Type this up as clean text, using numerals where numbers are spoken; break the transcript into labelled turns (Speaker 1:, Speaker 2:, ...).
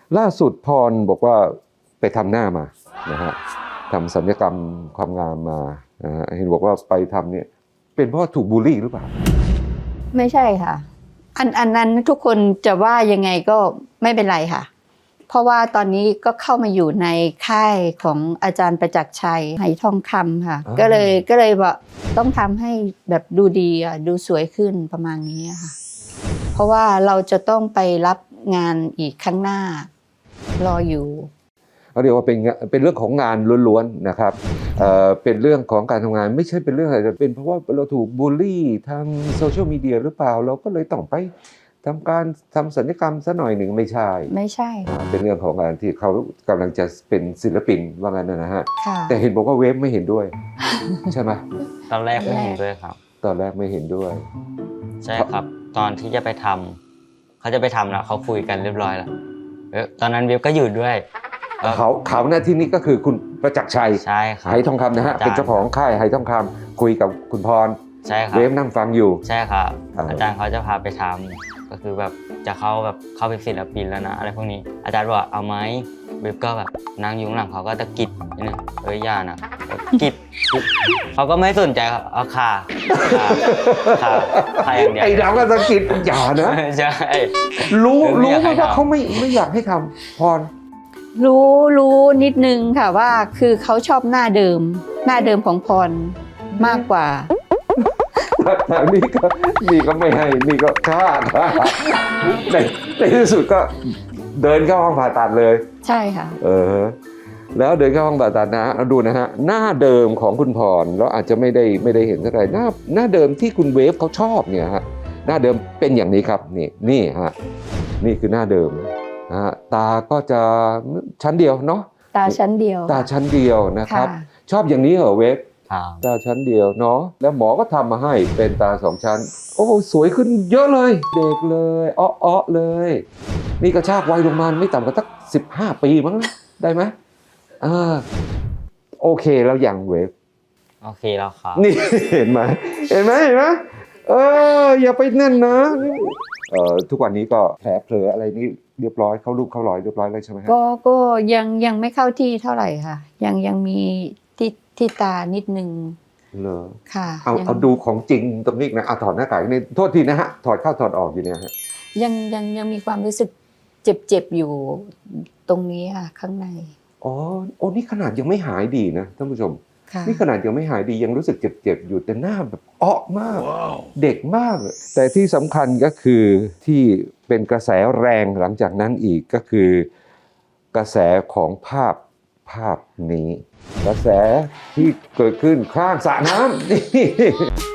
Speaker 1: ล่าสุดพรบอกว่าไปทำหน้ามานะฮะทำศัลยกรรมความงามมานะฮะเห็นบอกว่าไปทำเนี่ยเป็นเพราะถูกบูลลี่หรือเปล่า
Speaker 2: ไม่ใช่ค่ะอันนั้นทุกคนจะว่ายังไงก็ไม่เป็นไรค่ะเพราะว่าตอนนี้ก็เข้ามาอยู่ในค่ายของอาจารย์ประจักษ์ชัยไหทองคำค่ะก็เลยว่าต้องทำให้แบบดูดีดูสวยขึ้นประมาณนี้ค่ะเพราะว่าเราจะต้องไปรับงานอีกข้างหน้ารออยู่
Speaker 1: เขาเรียกว่าเป็นเรื่องของงานล้วนๆนะครับเป็นเรื่องของการทำงานไม่ใช่เป็นเรื่องอะไรแต่เป็นเพราะว่าเราถูกบูลลี่ทางโซเชียลมีเดียหรือเปล่าเราก็เลยต้องไปทำศัลยกรรมซะหน่อยหนึ่งไม่ใช่เป็นเรื่องของการที่เขากำลังจะเป็นศิลปินว่างั้นนะฮะแต่เห็นบอกว่าเวฟไม่เห็นด้วยใช่ไหม
Speaker 3: ตอนแรกไม่เห็นด้วยครับ
Speaker 1: ตอนแรกไม่เห็นด้วย
Speaker 3: ใช่ครับตอนที่จะไปทำเขาจะไปทำแล้วเขาคุยกันเรียบร้อยแล้วตอนนั้นเวฟก็อยู่ด้วย
Speaker 1: เขาหน้าที่นี้ก็คือคุณประจักษ์ชัย
Speaker 3: ใช่ครับ
Speaker 1: ไหทองคำนะฮะเป็นเจ้าของค่ายไหทองคำคุยกับคุณพร
Speaker 3: ใช่ครับ
Speaker 1: เวฟนั่งฟังอยู่
Speaker 3: ใช่ครับอาจารย์เขาจะพาไปทำก็คือแบบจะเข้าเป็นศิลปินแล้วนะอะไรพวกนี้อาจารย์บอกเอาไหมเวฟก็แบบนั่งอยู่ข้างหลังเขาก็ตะกิดนิดนึงอย่านะกิดเขาก็ไม่สนใจครับเอาค่ะอย่างเดียว
Speaker 1: ไอ้เราก็ตะกิดอย่านะ
Speaker 3: ใช่
Speaker 1: รู้ว่าเขาไม่อยากให้ทำพร
Speaker 2: รู้นิดนึงค่ะว่าคือเขาชอบหน้าเดิมของพรมากกว่า
Speaker 1: ทางนี้ก็ไม่ให้นี่ก็ฆ่าในที่สุดก็เดินเข้าห้องผ่าตัดเลย
Speaker 2: ใช่ค่ะ
Speaker 1: แล้วเดินเข้าห้องผ่าตัดนะดูนะฮะหน้าเดิมของคุณพรเราอาจจะไม่ได้เห็นเท่าไหร่หน้าเดิมที่คุณเวฟเขาชอบเนี่ยฮะหน้าเดิมเป็นอย่างนี้ครับนี่ฮะนี่คือหน้าเดิมตาก็จะชั้นเดียวเนาะ
Speaker 2: ตาชั้นเดียว
Speaker 1: นะครับชอบอย่างนี้เหรอเวฟตาชั้นเดียวเนาะแล้วหมอก็ทำมาให้เป็นตา2ชั้นโอ้สวยขึ้นเยอะเลยเด็กเลยอ้อเลยนี่กระชากวัยลงมาไม่ต่ำกว่าสัก15 ปีมั้งได้ไหมโอเคแล้วยังเวฟ
Speaker 3: โอเคแล้วครับ
Speaker 1: นี่เห็นไหมอย่าไปนั่นนะทุกวันนี้ก็แผลเผลออะไรนี่เรียบร้อยเข้ารูปเข้ารอยเรียบร้อยแล้วใช่ไหมครับ
Speaker 2: ก็ยังไม่เข้าที่เท่าไหร่ค่ะยังมีที่ตานิดนึง
Speaker 1: เหรอ
Speaker 2: ค่ะ
Speaker 1: เอาดูของจริงตรงนี้นะถอดหน้ากากนี่โทษทีนะฮะถอดเข้าถอดออกอยู่เนี่ยฮะ
Speaker 2: ยังมีความรู้สึกเจ็บอยู่ตรงนี้ค่ะข้างใน
Speaker 1: นี่ขนาดยังไม่หายดีนะท่านผู้ชมนี่ขนาดยังไม่หายดียังรู้สึกเจ็บอยู่แต่หน้าแบบมาก เด็กมากแต่ที่สำคัญก็คือที่เป็นกระแสแรงหลังจากนั้นอีกก็คือกระแสของภาพนี้กระแสที่เกิดขึ้นข้างสระน้ำนี่